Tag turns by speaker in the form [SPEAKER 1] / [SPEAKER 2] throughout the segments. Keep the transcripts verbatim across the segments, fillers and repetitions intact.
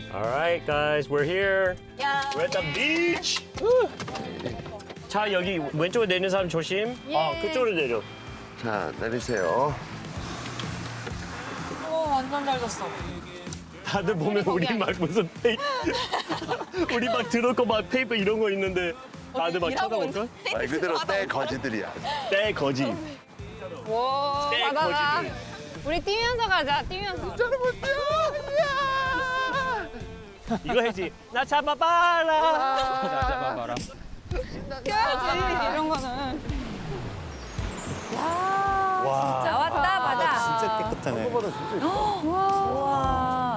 [SPEAKER 1] All right, guys, we're here.
[SPEAKER 2] 야.
[SPEAKER 1] We're at the beach. Woo. 자, 여기 왼쪽에 내리는 사람 조심. 아, 그쪽으로 내려.
[SPEAKER 3] 자, 내리세요.
[SPEAKER 2] 오, 완전 잘 잤어.
[SPEAKER 1] 다들 보면 우리 막 무슨 페이 우리 막 들을 거 막 페이퍼 이런 거 있는데 다들 막 쳐다볼까?
[SPEAKER 3] 말 그대로 때 거지들이야.
[SPEAKER 1] 때 거지.
[SPEAKER 2] 와,
[SPEAKER 1] 때
[SPEAKER 2] 바다가.
[SPEAKER 1] 거지.
[SPEAKER 2] 우리 뛰면서 가자, 뛰면서.
[SPEAKER 1] 이거 해지. 나 잡아봐라.
[SPEAKER 4] 잡아봐라.
[SPEAKER 2] 뛰어야지, 이런 거는. 야,
[SPEAKER 1] 와.
[SPEAKER 2] 나왔다, 바다.
[SPEAKER 5] 진짜 깨끗하네.
[SPEAKER 2] 와.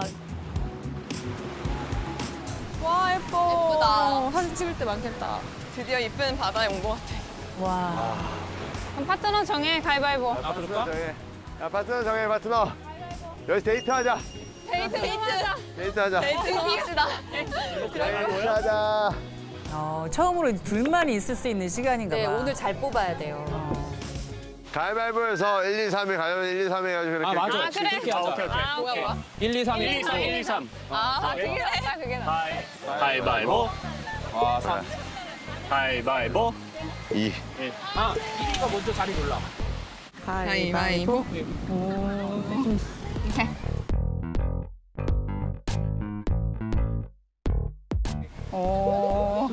[SPEAKER 2] 와, 예뻐.
[SPEAKER 6] 예쁘다.
[SPEAKER 2] 사진 찍을 때 많겠다.
[SPEAKER 6] 드디어 이쁜 바다에 온 것 같아.
[SPEAKER 2] 와. 그럼 파트너 정해, 가위바위보.
[SPEAKER 4] 아, 그럴까?
[SPEAKER 3] 정해. 야, 파트너 정해, 파트너. 여기서 데이트하자.
[SPEAKER 6] 데이트, 데이트.
[SPEAKER 3] 데이트하자.
[SPEAKER 6] 데이트 합시다.
[SPEAKER 3] 데이트하자.
[SPEAKER 7] 어, 처음으로 둘만이 있을 수 있는 시간인가 봐.
[SPEAKER 2] 네, 오늘 잘 뽑아야 돼요.
[SPEAKER 3] 가위바위보에서 일, 이, 삼이 가려면 일, 이, 삼 해가지고 이렇게.
[SPEAKER 4] 아, 맞아.
[SPEAKER 2] 아, 그래?
[SPEAKER 4] 그렇게 하자.
[SPEAKER 1] 오케이, 오케이.
[SPEAKER 2] 아,
[SPEAKER 6] 뭐야, 뭐야?
[SPEAKER 4] 일, 이, 삼,
[SPEAKER 1] 일, 이, 삼, 일, 이, 삼.
[SPEAKER 6] 아, 그게 나 그게 나.
[SPEAKER 1] 가위, 가위바위보.
[SPEAKER 4] 와, 삼.
[SPEAKER 1] 가위바위보.
[SPEAKER 3] 이.
[SPEAKER 4] 아, 일 위가 먼저 자리 골라.
[SPEAKER 6] 가위바위보.
[SPEAKER 2] 오.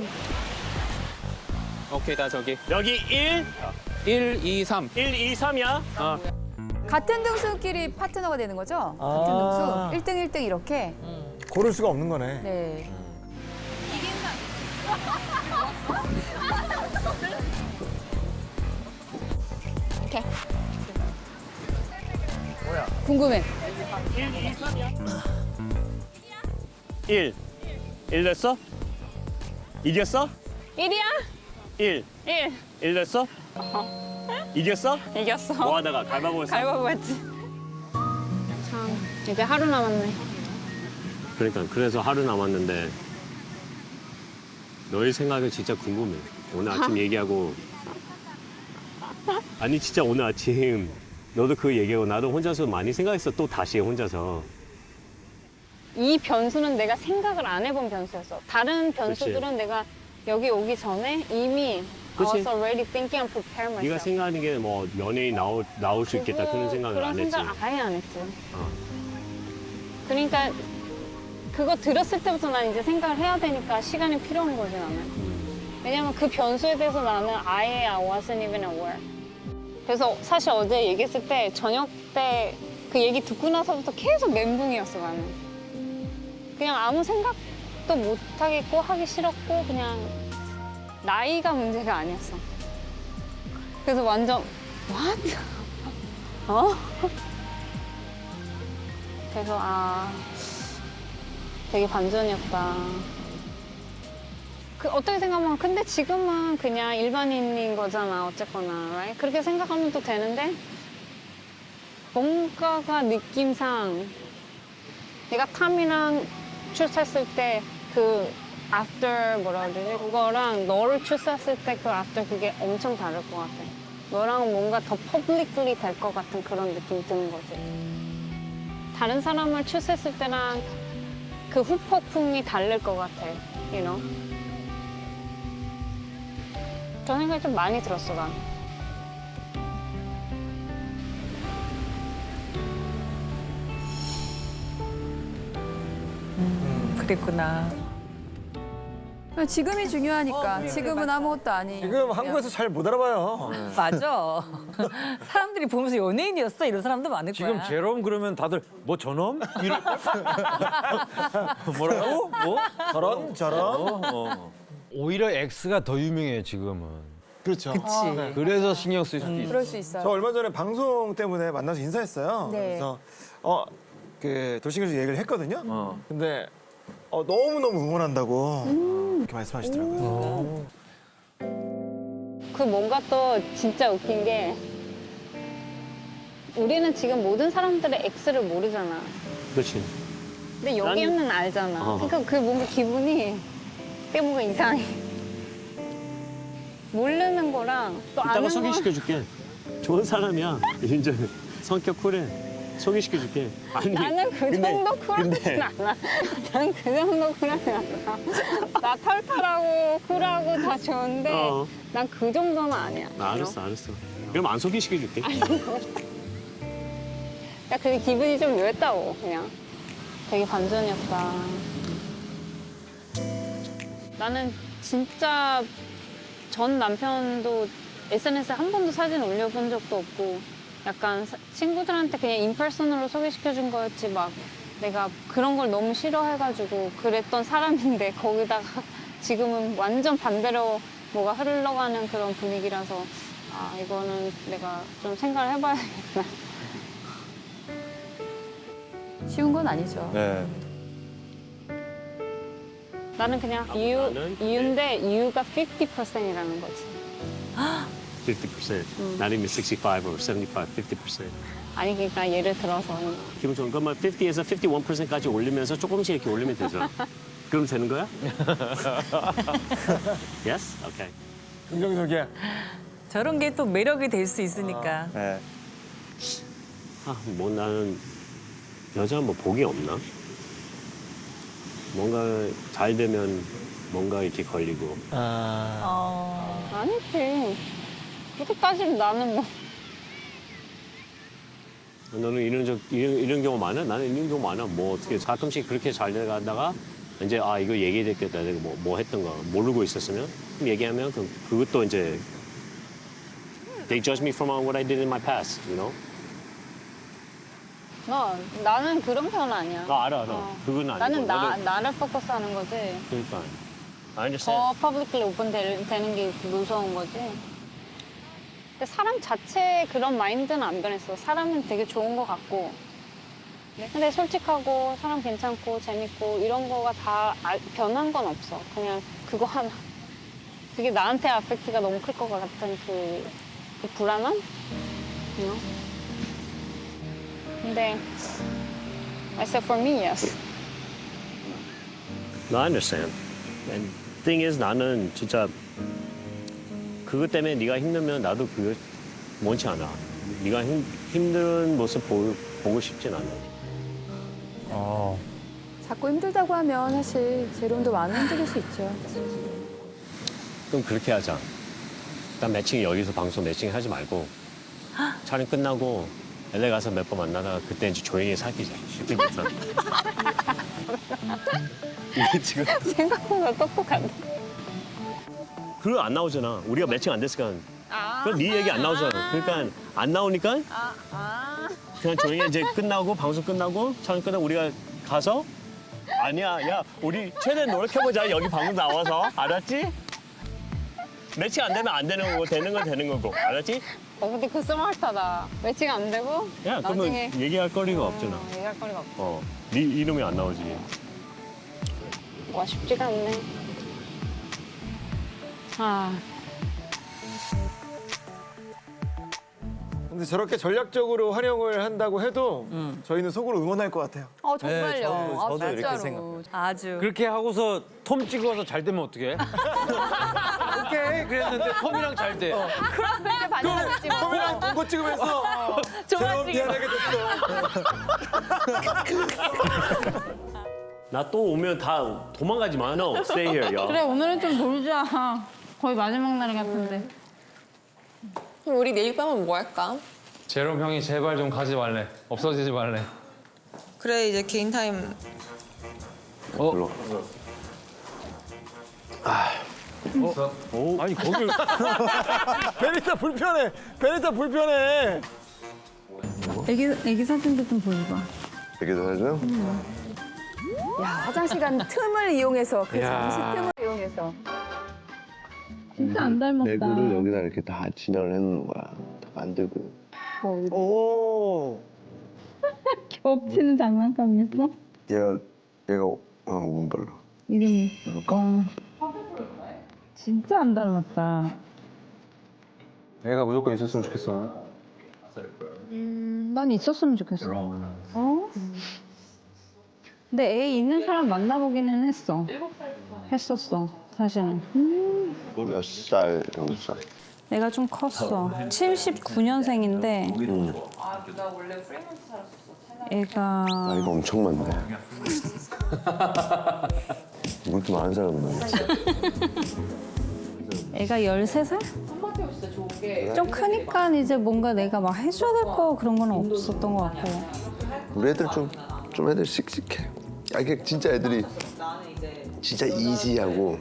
[SPEAKER 4] 오케이, 다 저기.
[SPEAKER 1] 여기 일,
[SPEAKER 4] 일, 이, 삼.
[SPEAKER 1] 일, 이, 삼이야. 어.
[SPEAKER 8] 같은 등수끼리 파트너가 되는 거죠? 같은 등수. 일 등, 일 등 이렇게.
[SPEAKER 5] 고를 수가 없는 거네.
[SPEAKER 8] 네.
[SPEAKER 2] 이렇게.
[SPEAKER 8] 궁금해.
[SPEAKER 1] 일. 일 됐어? 이겼어?
[SPEAKER 2] 일이야?
[SPEAKER 1] 일.
[SPEAKER 2] 일.
[SPEAKER 1] 일 됐어? 이겼어?
[SPEAKER 2] 이겼어.
[SPEAKER 1] 뭐 하다가 가위바위보 했어?
[SPEAKER 2] 가위바위보 했지. 참, 이제 하루 남았네.
[SPEAKER 1] 그러니까 그래서 하루 남았는데 너의 생각이 진짜 궁금해. 오늘 아침 얘기하고 아니 진짜 오늘 아침 너도 그 얘기하고 나도 혼자서 많이 생각했어. 또 다시 혼자서.
[SPEAKER 2] 이 변수는 내가 생각을 안 해본 변수였어. 다른 변수들은
[SPEAKER 1] 그치.
[SPEAKER 2] 내가 여기 오기 전에 이미
[SPEAKER 1] 그치.
[SPEAKER 2] I was already thinking and prepare myself.
[SPEAKER 1] 네가 생각하는 게 뭐 연예인 나올 나올 수 있겠다
[SPEAKER 2] 그거-
[SPEAKER 1] 그런 생각을
[SPEAKER 2] 그런
[SPEAKER 1] 안 했지.
[SPEAKER 2] 생각 아예 안 했지.
[SPEAKER 1] 어.
[SPEAKER 2] 그러니까 그거 들었을 때부터 난 이제 생각을 해야 되니까 시간이 필요한 거지 나는.
[SPEAKER 1] 음.
[SPEAKER 2] 왜냐면 그 변수에 대해서 나는 아예 I wasn't even aware. 그래서 사실 어제 얘기했을 때 저녁 때 그 얘기 듣고 나서부터 계속 멘붕이었어 나는. 그냥 아무 생각도 못 하겠고 하기 싫었고 그냥 나이가 문제가 아니었어. 그래서 완전 what? 어? 그래서 아 되게 반전이었다. 그 어떻게 생각하면 근데 지금은 그냥 일반인인 거잖아 어쨌거나 right? 그렇게 생각하면 또 되는데 뭔가가 느낌상 내가 탐이랑 출사했을 때 그 after 뭐라 그러지? 그거랑 너를 출사했을 때 그 after 그게 엄청 다를 것 같아. 너랑 뭔가 더 publicly 될 것 같은 그런 느낌이 드는 거지. 다른 사람을 출사했을 때랑 그 후폭풍이 다를 것 같아. You know? 저 생각이 좀 많이 들었어, 난.
[SPEAKER 7] 그랬구나.
[SPEAKER 8] 지금이 중요하니까. 지금은 아무것도 아니.
[SPEAKER 5] 지금 한국에서 잘 못 알아봐요.
[SPEAKER 7] 맞아. 사람들이 보면서 연예인이었어 이런 사람도 많을 거야.
[SPEAKER 9] 지금 제롬 그러면 다들 뭐 저놈? 이럴 뭐라고? 뭐?
[SPEAKER 5] 저런 저런.
[SPEAKER 9] 어. 오히려 X가 더 유명해요 지금은.
[SPEAKER 5] 그렇죠.
[SPEAKER 7] 그치.
[SPEAKER 9] 그래서 신경 쓸 수도 있어.
[SPEAKER 8] 그럴 수 있어요.
[SPEAKER 5] 저 얼마 전에 방송 때문에 만나서 인사했어요.
[SPEAKER 8] 네.
[SPEAKER 5] 그래서 어 그 돌싱에서 얘기를 했거든요.
[SPEAKER 9] 어.
[SPEAKER 5] 근데 어, 너무 너무 응원한다고
[SPEAKER 8] 음.
[SPEAKER 5] 이렇게 말씀하시더라고요.
[SPEAKER 2] 그 뭔가 또 진짜 웃긴 게 우리는 지금 모든 사람들의 X를 모르잖아.
[SPEAKER 1] 그렇지.
[SPEAKER 2] 근데 여기는 알잖아.
[SPEAKER 1] 어.
[SPEAKER 2] 그러니까 그 뭔가 기분이 되게 뭔가 이상해. 모르는 거랑 또
[SPEAKER 1] 이따가
[SPEAKER 2] 아는 거
[SPEAKER 1] 소개시켜 줄게. 좋은 사람이야. 윤정이. 성격 쿨해. 소개시켜줄게. 아니,
[SPEAKER 2] 나는 그
[SPEAKER 1] 근데-
[SPEAKER 2] 정도 쿨하진
[SPEAKER 1] 근데-
[SPEAKER 2] 않아. 난 그 정도 쿨하진 않아. 나 털털하고 쿨하고 다 좋은데
[SPEAKER 1] 어.
[SPEAKER 2] 난 그 정도는 아니야.
[SPEAKER 1] 아, 알았어, 알았어. 그럼 안 소개시켜줄게.
[SPEAKER 2] 야, 그게 기분이 좀 묘했다고, 그냥. 되게 반전이었다. 나는 진짜 전 남편도 에스엔에스에 한 번도 사진 올려본 적도 없고 약간 사- 친구들한테 그냥 인퍼슨으로 소개시켜준 거였지 막 내가 그런 걸 너무 싫어해가지고 그랬던 사람인데 거기다가 지금은 완전 반대로 뭐가 흘러가는 그런 분위기라서 아, 이거는 내가 좀 생각을 해봐야겠다.
[SPEAKER 8] 쉬운 건 아니죠.
[SPEAKER 5] 네.
[SPEAKER 2] 나는 그냥
[SPEAKER 1] 아,
[SPEAKER 2] 이유,
[SPEAKER 1] 나는?
[SPEAKER 2] 이유인데 이유가 오십 퍼센트이라는 거지.
[SPEAKER 1] fifty percent. Not even sixty-five or seventy-five, fifty percent.
[SPEAKER 2] 아니 그러니까 예를 들어서
[SPEAKER 1] 기분 좋은 그러면 오십에서 오십일 퍼센트까지 올리면서 조금씩 이렇게 올리면 되죠. 그럼 되는 거야? yes? Okay.
[SPEAKER 5] 긍정적이야.
[SPEAKER 7] 저런 게 또 매력이 될 수 있으니까.
[SPEAKER 5] 네.
[SPEAKER 1] 아, 뭐 나는 여자 뭐 복이 없나? 뭔가 잘 되면 뭔가 이렇게 걸리고.
[SPEAKER 5] 아.
[SPEAKER 7] 어.
[SPEAKER 2] 아니지. 그렇게 따지면 나는 뭐
[SPEAKER 1] 너는 이런 적 이런, 이런 경우 많아? 나는 이런 경우 많아. 뭐 어떻게 가끔씩 그렇게 잘 돼가다가 이제 아 이거 얘기됐겠다. 내가 뭐, 뭐 했던 거 모르고 있었으면 그럼 얘기하면 그 그것도 이제 they judge me from what I did in my past, you know?
[SPEAKER 2] 너 나는 그런 편 아니야.
[SPEAKER 1] 아 알아 알아.
[SPEAKER 2] 어.
[SPEAKER 1] 그건 아니고.
[SPEAKER 2] 나는 나
[SPEAKER 1] 나도-
[SPEAKER 2] 나를 포커스하는 거지.
[SPEAKER 1] 그러니까. I understand.
[SPEAKER 2] 더 퍼블릭ली 오픈 되는 게 무서운 거지. 근데 사람 자체의 그런 마인드는 안 변했어. 사람은 되게 좋은 것 같고. 근데 솔직하고 사람 괜찮고 재밌고 이런 거가 다 알- 변한 건 없어. 그냥 그거 하나. 그게 나한테 아펙트가 너무 클 것 같은 그, 그 불안함? You know? 근데 I said for me, yes.
[SPEAKER 1] No, I understand. And thing is 나는 진짜 그것 때문에 네가 힘들면 나도 그거 원치 않아. 네가 힘, 힘든 모습 보, 보고 싶진 않아.
[SPEAKER 5] 어.
[SPEAKER 8] 자꾸 힘들다고 하면 사실 제롬도 많이 힘들 수 있죠.
[SPEAKER 1] 그럼 그렇게 하자. 일단 매칭 여기서 방송 매칭 하지 말고 촬영 끝나고 엘에이 가서 몇 번 만나다가 그때 이제 조용히 사귀자. 그때 괜찮아. 이게 지금
[SPEAKER 2] 생각보다 똑똑한데.
[SPEAKER 1] 그거 안 나오잖아. 우리가 매칭 안 됐으니까. 그럼 네 얘기 안 나오잖아. 그러니까 안 나오니까
[SPEAKER 2] 아, 아.
[SPEAKER 1] 그냥 조용히 이제 끝나고 방송 끝나고 촬영 끝나고 우리가 가서 아니야 야 우리 최대한 노력해보자 여기 방송 나와서 알았지? 매칭 안 되면 안 되는 거고 되는 건 되는 거고 알았지?
[SPEAKER 2] 어, 근데 그 스마트하다. 매칭 안 되고
[SPEAKER 1] 야 그러면
[SPEAKER 2] 나중에
[SPEAKER 1] 얘기할 거리가 없잖아.
[SPEAKER 2] 어, 얘기할 거리가 없어.
[SPEAKER 1] 어, 네 이름이 안 나오지.
[SPEAKER 2] 와 쉽지가 않네. 아,
[SPEAKER 5] 근데 저렇게 전략적으로 활용을 한다고 해도 저희는 속으로 응원할 것 같아요.
[SPEAKER 8] 어 정말요.
[SPEAKER 5] 네, 저도-
[SPEAKER 8] 아,
[SPEAKER 5] 저도 이렇게
[SPEAKER 8] 진짜로.
[SPEAKER 5] 생각합니다.
[SPEAKER 7] 아주.
[SPEAKER 9] 그렇게 하고서 톰 찍어서 잘 되면 어떡해? 오케이 그랬는데 톰이랑 잘 돼.
[SPEAKER 8] 그럼 그때 반전했지 뭐.
[SPEAKER 5] 톰이랑 동거 찍으면서 제가 미안하게 됐어.
[SPEAKER 1] 나 또 오면 다 도망가지 마. No, stay here, 야.
[SPEAKER 2] 그래 오늘은 좀 놀자. 거의 마지막 날 같은데.
[SPEAKER 6] 우리 내일 밤은 뭐 할까?
[SPEAKER 10] 제롬 형이 제발 좀 가지 말래. 없어지지 말래.
[SPEAKER 6] 그래 이제 개인 타임.
[SPEAKER 9] 아니 거길
[SPEAKER 5] 베리타 불편해. 베리타 불편해.
[SPEAKER 2] 애기 애기 사진도 좀 보여봐.
[SPEAKER 3] 되게 잘하죠?
[SPEAKER 8] 야 화장실 간 틈을 이용해서 그 잠시 틈을 이용해서.
[SPEAKER 2] 진짜 안 닮았다.
[SPEAKER 3] 내구를 여기다 이렇게 다 진열을 해놓는 거야. 다 만들고.
[SPEAKER 5] 오.
[SPEAKER 2] 겹치는 장난감이었어?
[SPEAKER 3] 얘가 얘가 어 오분별로.
[SPEAKER 2] 이름이. 어. 진짜 안 닮았다.
[SPEAKER 10] 애가 무조건 있었으면 좋겠어.
[SPEAKER 2] 음, 난 있었으면 좋겠어. 어? 근데 애 있는 사람 만나보기는 했어. 했었어, 사실은. 음.
[SPEAKER 3] 몇 살 정도 살?
[SPEAKER 2] 내가 좀 컸어. 칠십구 년생인데
[SPEAKER 3] 응.
[SPEAKER 6] 나 원래 프레먼트 살았었어.
[SPEAKER 7] 애가
[SPEAKER 3] 나이가 엄청 많네. 이렇게 많은 사람은 아니지.
[SPEAKER 7] 애가 열세 살? 좀 크니까 이제 뭔가 내가 막 해줘야 될 거 그런 건 없었던 것 같고.
[SPEAKER 3] 우리 애들 좀, 좀 애들 씩씩해. 아, 이게 진짜 애들이 진짜 이지하고.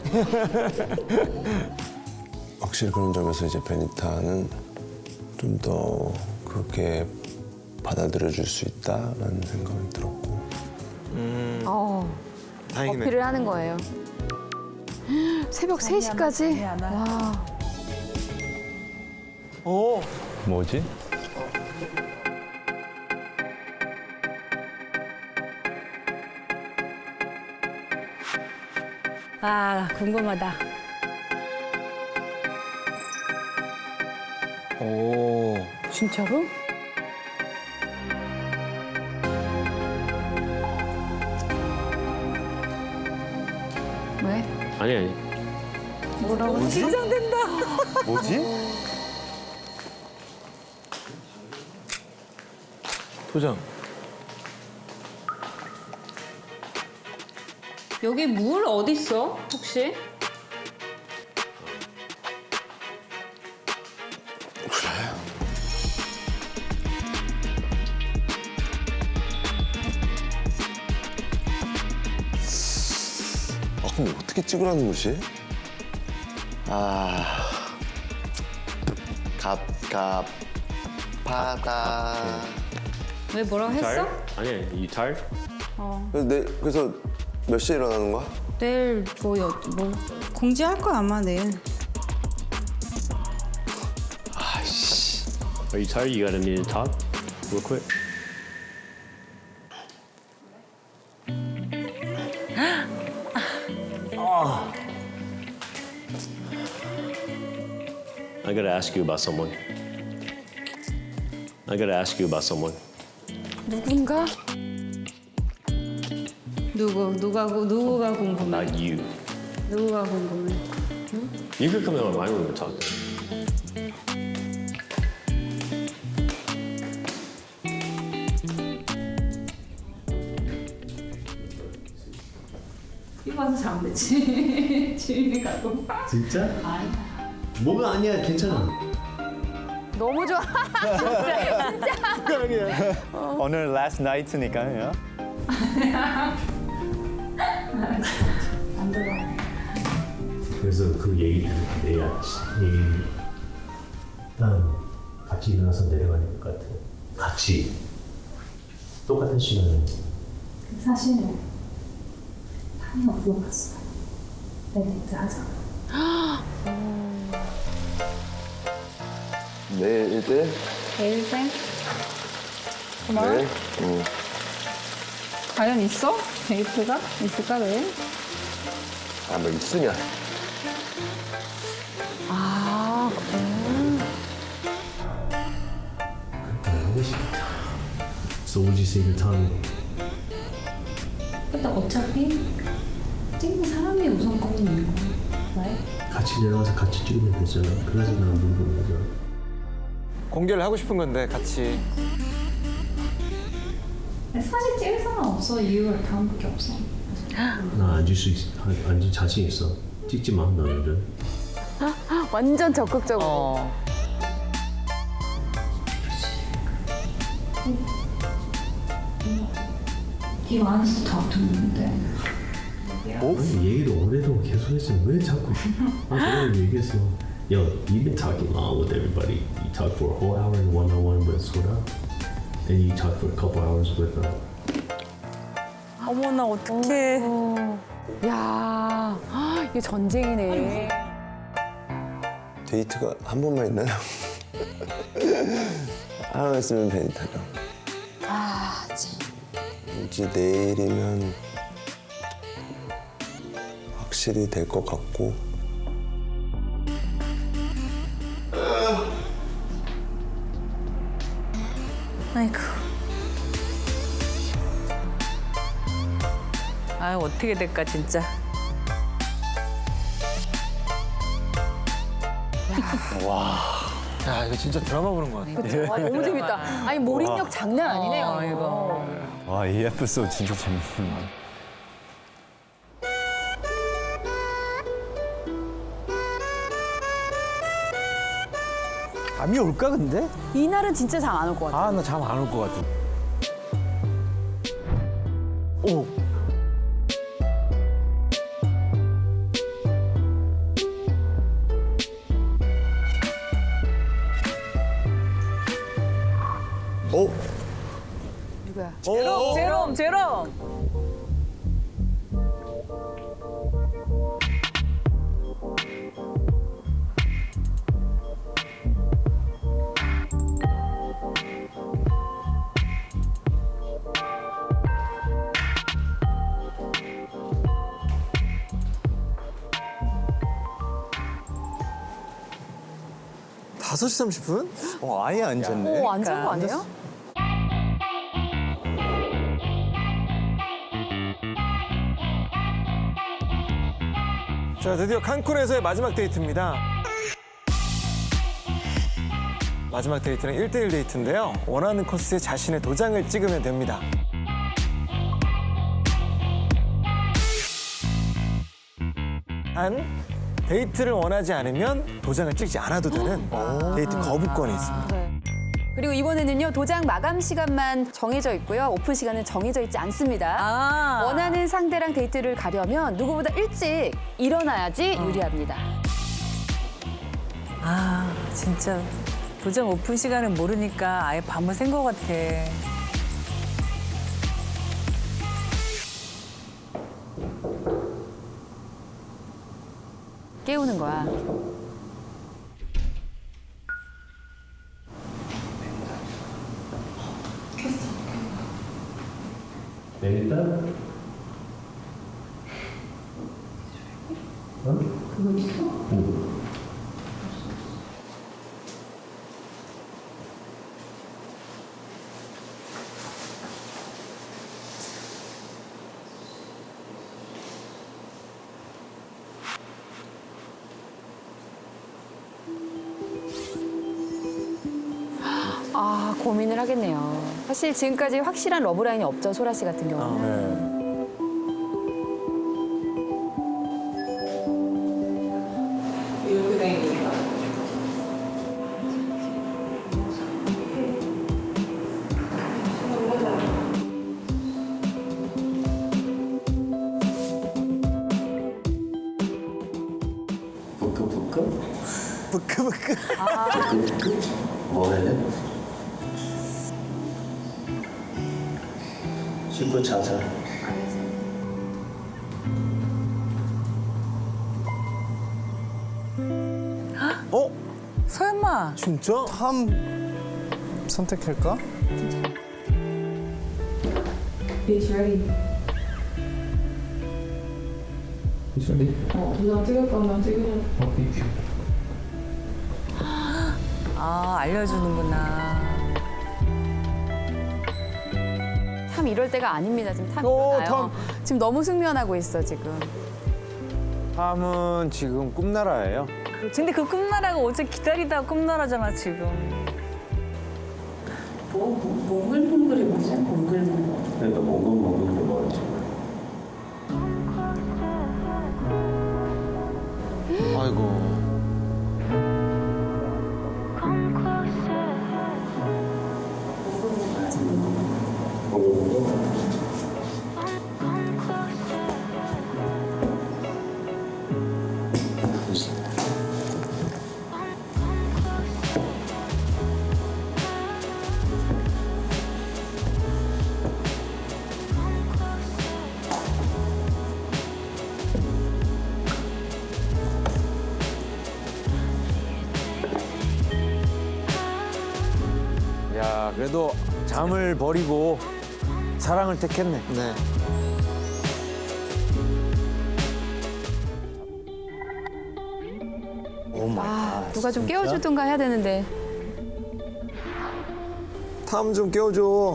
[SPEAKER 3] 확실히 그런 점에서 이제 베니타는 좀 더 그렇게 받아들여줄 수 있다라는 생각이 들었고.
[SPEAKER 8] 어,
[SPEAKER 5] 다행이네.
[SPEAKER 8] 어필을 하는 거예요. 새벽 세 시까지? 와.
[SPEAKER 5] 오,
[SPEAKER 10] 뭐지?
[SPEAKER 7] 아 궁금하다.
[SPEAKER 5] 오.
[SPEAKER 8] 진짜로? 왜?
[SPEAKER 1] 아니 아니.
[SPEAKER 7] 뭐라고? 긴장된다.
[SPEAKER 5] 뭐지? 도장.
[SPEAKER 7] 여기 물 어디 있어? 혹시?
[SPEAKER 3] 아, 근데 어떻게 찍으라는 거지? 아. 갑, 갑, 바다.
[SPEAKER 7] 왜 뭐라고 했어?
[SPEAKER 1] 아니 아니. 이 잘?
[SPEAKER 3] 그래서, 내, 그래서 몇 시에 일어나는 거야?
[SPEAKER 6] 내일 뭐, 여, 뭐 공지할 거야 아마 내일.
[SPEAKER 3] 아이씨.
[SPEAKER 1] Are you tired? You got a minute to talk? Real quick. I gotta ask you about someone. I gotta ask you about someone.
[SPEAKER 8] 누군가?
[SPEAKER 6] 누구 누가 구- 누구가 궁금해?
[SPEAKER 1] Not you.
[SPEAKER 6] 누구가 궁금해?
[SPEAKER 1] You could come in my room and talk to me.
[SPEAKER 7] 이거 와서 자면 되지. 주인이 가고.
[SPEAKER 1] 진짜? 뭐가 아니야, 괜찮아.
[SPEAKER 8] 너무 좋아.
[SPEAKER 5] 오늘 last night니까요.
[SPEAKER 1] 그래서 그 얘기를 내야 얘기 일단 같이 일어나서 내려가야 될 것 같아. 같이 똑같은 시간에.
[SPEAKER 11] 사실은 타이어 물어봤어요. 데이트 하자.
[SPEAKER 3] 내일 일대?
[SPEAKER 2] 내일 쌤?
[SPEAKER 3] 내일? 응.
[SPEAKER 2] 과연 있어? 데이트가? 있을까 내일?
[SPEAKER 3] 아, 뭐 있으냐?
[SPEAKER 8] 아,
[SPEAKER 1] 하고 싶다. So would you say the time?
[SPEAKER 11] 근데 어차피 찍는 사람이 우선권이 있는 거야. 왜?
[SPEAKER 1] 같이 내려가서 같이 찍으면 되잖아. 그래서 난 물어보는 거잖아.
[SPEAKER 5] 공개를 하고 싶은 건데 같이.
[SPEAKER 11] 사실 찍을 사람 없어. 이유가 다음밖에 없어.
[SPEAKER 1] 나 앉을 수 있어. 앉을 자신 있어. 찍지 마, 너네들.
[SPEAKER 8] 완전 적극적으로.
[SPEAKER 7] 어.
[SPEAKER 11] 이거 안에서 다 붙었는데.
[SPEAKER 1] 어? 얘기를 오래도 계속 했어. 왜 자꾸? 아, 내가 얘기했어. Yo, you've been talking long with everybody. You talk for a whole hour in one-on-one with Soda. Then you talk for a couple hours with uh,
[SPEAKER 7] 어머나 어떡해.
[SPEAKER 8] 야, 헉, 이게 전쟁이네.
[SPEAKER 3] 데이트가 한 번만 있나요? 하나 있으면 베니타죠.
[SPEAKER 8] 아, 참.
[SPEAKER 3] 이제 내일이면 확실히 될 것 같고.
[SPEAKER 7] 아이고. 아 어떻게 될까 진짜.
[SPEAKER 5] 야 이거 진짜 드라마 보는 것 같아.
[SPEAKER 8] 와, 너무 재밌다. 아니 몰입력 장난 아니네요. 이거.
[SPEAKER 3] 와, 이 에피소드 진짜 재밌구나.
[SPEAKER 9] 잠이 올까 근데?
[SPEAKER 8] 이날은 진짜 잠 안 올 것 같아.
[SPEAKER 9] 아 나 잠 안 올 것 같아. 오.
[SPEAKER 3] 오,
[SPEAKER 8] 누구야? 제롬, 제롬, 제롬.
[SPEAKER 5] 다섯 시 삼십 분?
[SPEAKER 3] 어, 아예 안 잤네.
[SPEAKER 8] 오, 안 잔 거 아니에요?
[SPEAKER 5] 자, 드디어 칸쿤에서의 마지막 데이트입니다. 마지막 데이트는 일 대일 데이트인데요. 원하는 코스에 자신의 도장을 찍으면 됩니다. 단, 데이트를 원하지 않으면 도장을 찍지 않아도 되는 데이트 거부권이 있습니다.
[SPEAKER 8] 네. 그리고 이번에는요 도장 마감 시간만 정해져 있고요 오픈 시간은 정해져 있지 않습니다. 원하는 상대랑 데이트를 가려면 누구보다 일찍 일어나야지 유리합니다.
[SPEAKER 6] 아 진짜 도장 오픈 시간을 모르니까 아예 밤을 샌 것 같아.
[SPEAKER 8] 깨우는 거야.
[SPEAKER 1] 내린다?
[SPEAKER 11] 그거 있어?
[SPEAKER 1] 응.
[SPEAKER 8] 아 고민을 하겠네요. 사실 지금까지 확실한 러브라인이 없죠 소라 씨 같은 경우는.
[SPEAKER 11] 이렇게 다니니까.
[SPEAKER 1] 부끄부끄?
[SPEAKER 5] 부끄부끄.
[SPEAKER 1] 부끄부끄? 뭐 해야 돼? 십구 차사.
[SPEAKER 5] 어?
[SPEAKER 6] 설마.
[SPEAKER 5] 진짜?
[SPEAKER 3] 탐 선택할까?
[SPEAKER 11] It's ready.
[SPEAKER 10] It's ready.
[SPEAKER 11] 어, 도장 찍을 거면 찍으면.
[SPEAKER 10] Okay.
[SPEAKER 6] 아 알려주는구나.
[SPEAKER 8] 참 이럴 때가 아닙니다. 지금 탐이
[SPEAKER 9] 오,
[SPEAKER 8] 나요. 지금 너무 숙면하고 있어 지금.
[SPEAKER 9] 탐은 지금 꿈나라예요.
[SPEAKER 6] 근데 그 꿈나라가 어제 기다리다 꿈나라잖아 지금.
[SPEAKER 11] 뭐, 뭐, 몽글몽글이 뭐지? 몽글몽글.
[SPEAKER 1] 그러니까 몽글몽글이 뭐지?
[SPEAKER 5] 아이고.
[SPEAKER 9] 야 그래도 잠을 버리고 사랑을 택했네.
[SPEAKER 5] 네.
[SPEAKER 3] 오 마이
[SPEAKER 8] 아
[SPEAKER 3] 갓.
[SPEAKER 8] 누가 좀 깨워주든가 해야 되는데.
[SPEAKER 5] 탐 좀 깨워줘.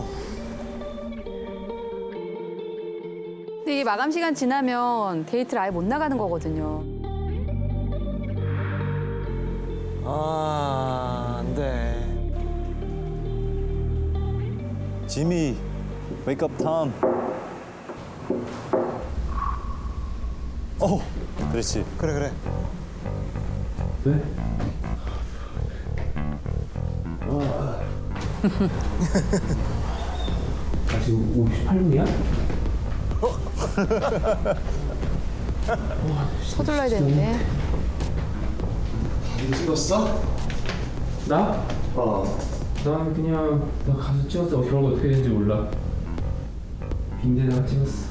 [SPEAKER 8] 근데 이게 마감 시간 지나면 데이트를 아예 못 나가는 거거든요.
[SPEAKER 5] 아, 돼.
[SPEAKER 12] 지미, wake up time. 어, 그렇지.
[SPEAKER 5] 그래 그래.
[SPEAKER 10] 아, 지금 오십팔 분이야?
[SPEAKER 8] 서둘러야 되는데.
[SPEAKER 3] 찍었어?
[SPEAKER 10] 나?
[SPEAKER 3] 어.
[SPEAKER 10] 난 그냥 나 가서 찍었어. 결과 어떻게 되는지 몰라. 빈대다가 찍었어.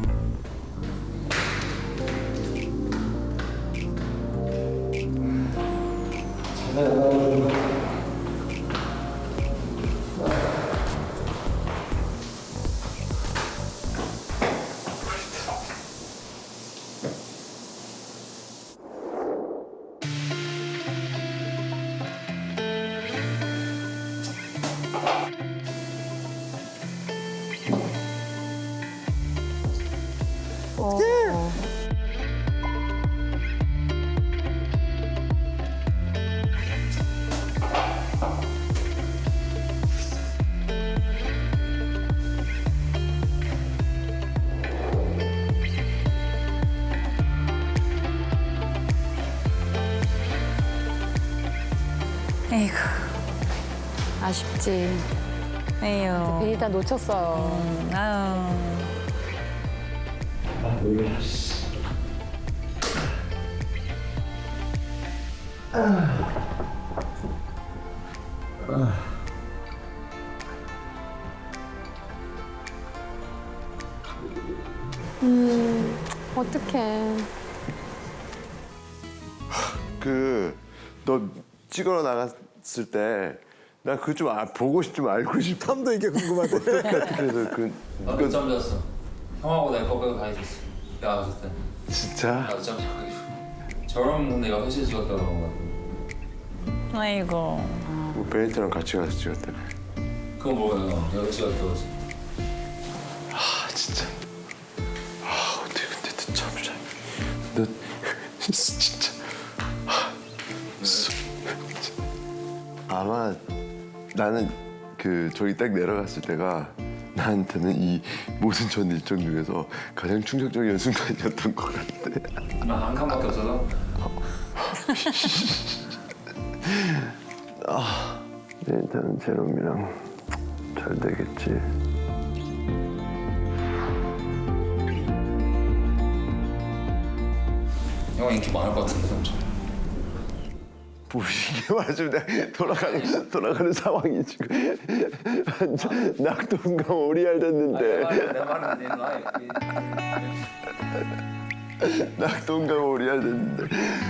[SPEAKER 6] 에이구,
[SPEAKER 8] 아쉽지.
[SPEAKER 6] 에휴.
[SPEAKER 8] 베니 다 놓쳤어요.
[SPEAKER 6] 음, 아유.
[SPEAKER 10] 아, 놀래.
[SPEAKER 2] 음, 어떡해.
[SPEAKER 3] 그 너 찍으러 나갔을 때 나 그거 좀 아, 보고 싶, 좀 알고 싶어.
[SPEAKER 5] 탐도 이게 궁금하대.
[SPEAKER 3] 어떻게 어떻게 해서 그
[SPEAKER 10] 나도 늦잠 잤어. 형하고 내가 거기서 가 있었어. 내가 갔을 때.
[SPEAKER 3] 진짜
[SPEAKER 10] 나도 늦잠 자가지고. 저런 근데 여섯 시에 찍었다 그런 거 같아.
[SPEAKER 6] 아이고.
[SPEAKER 3] 뭐 베니트랑 같이 가서 찍었다며.
[SPEAKER 10] 그건 뭐야? 여섯 시가 들어왔어.
[SPEAKER 3] 아 진짜. 아 어떻게 근데 늦잠 자? 너 진짜. 아, 수- 아마 나는 그 저기 딱 내려갔을 때가 나한테는 이 모든 전 일정 중에서 가장 충격적인 순간이었던 것 같아.
[SPEAKER 10] 나한 칸밖에 없어서.
[SPEAKER 3] 아, 네, 일단은 제롬이랑 잘 되겠지.
[SPEAKER 10] 형 인기 많을 것 같은데 엄청.
[SPEAKER 3] 뭐 이게 맞으면 돌아가는 돌아가는 상황이 지금 완전 낙동강 오리알 됐는데.
[SPEAKER 10] 내 말은 내 라이.
[SPEAKER 3] 낙동강 오리알 됐는데.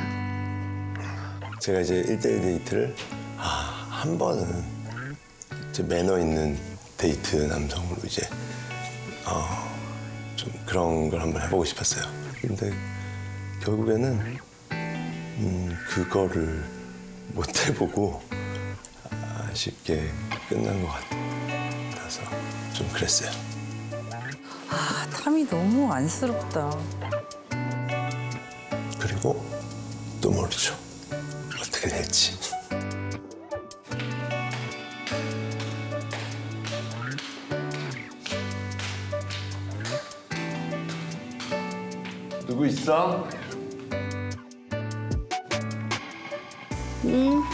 [SPEAKER 13] 제가 이제 일대일 데이트를 아, 한 번은 이제 매너 있는 데이트 남성으로 이제 어, 좀 그런 걸 한번 해보고 싶었어요. 근데 결국에는 음, 그거를 못 해보고 아쉽게 끝난 것 같아서 좀 그랬어요.
[SPEAKER 6] 아, 탐이 너무 안쓰럽다.
[SPEAKER 13] 그리고 또 모르죠. 어떻게 될지.
[SPEAKER 3] 누구 있어?
[SPEAKER 2] 응.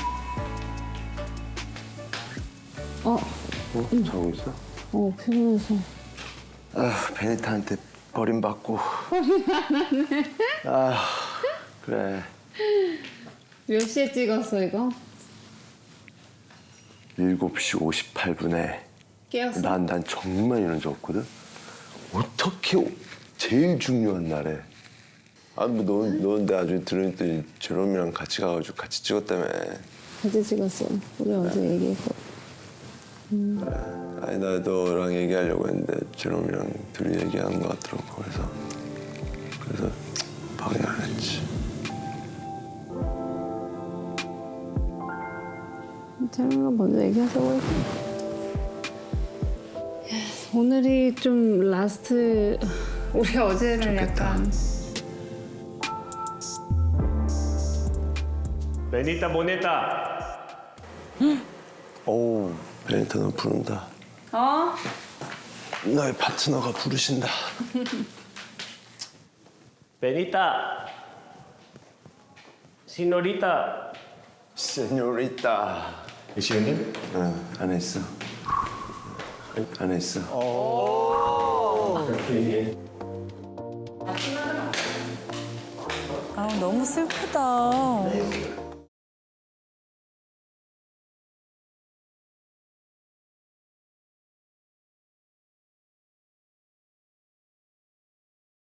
[SPEAKER 2] 어,
[SPEAKER 3] 어? 자고 있어?
[SPEAKER 2] 어, 피곤해서.
[SPEAKER 3] 아, 베니타한테 버림받고. 아, 그래.
[SPEAKER 2] 몇 시에 찍었어, 이거?
[SPEAKER 3] 일곱 시 오십팔 분에.
[SPEAKER 2] 깨웠어?
[SPEAKER 3] 난, 난 정말 이런 적 없거든? 어떻게 오- 제일 중요한 날에. 아, 뭐, 너, 너는 나중에 들으니까 제롬이랑 같이 가가지고 같이 찍었다며.
[SPEAKER 2] 같이 찍었어. 우리 어제 얘기했고.
[SPEAKER 3] 아니, 나 너랑 얘기하려고 했는데 제롬이랑 둘이 얘기하는 것 같더라고. 그래서, 그래서 방해 안 했지.
[SPEAKER 2] 재롱이가 먼저 얘기하자고 했어. 오늘이 좀 라스트. 우리 어제는 약간.
[SPEAKER 1] 베니타 보냈다.
[SPEAKER 13] 오, 베니타 너 부른다.
[SPEAKER 7] 어?
[SPEAKER 13] 너의 파트너가 부르신다.
[SPEAKER 1] 베니타, 시노리타.
[SPEAKER 3] 세뇨리타.
[SPEAKER 1] 시간님?
[SPEAKER 3] 응, 안에 있어. 안에 있어.
[SPEAKER 6] 아, 너무 슬프다.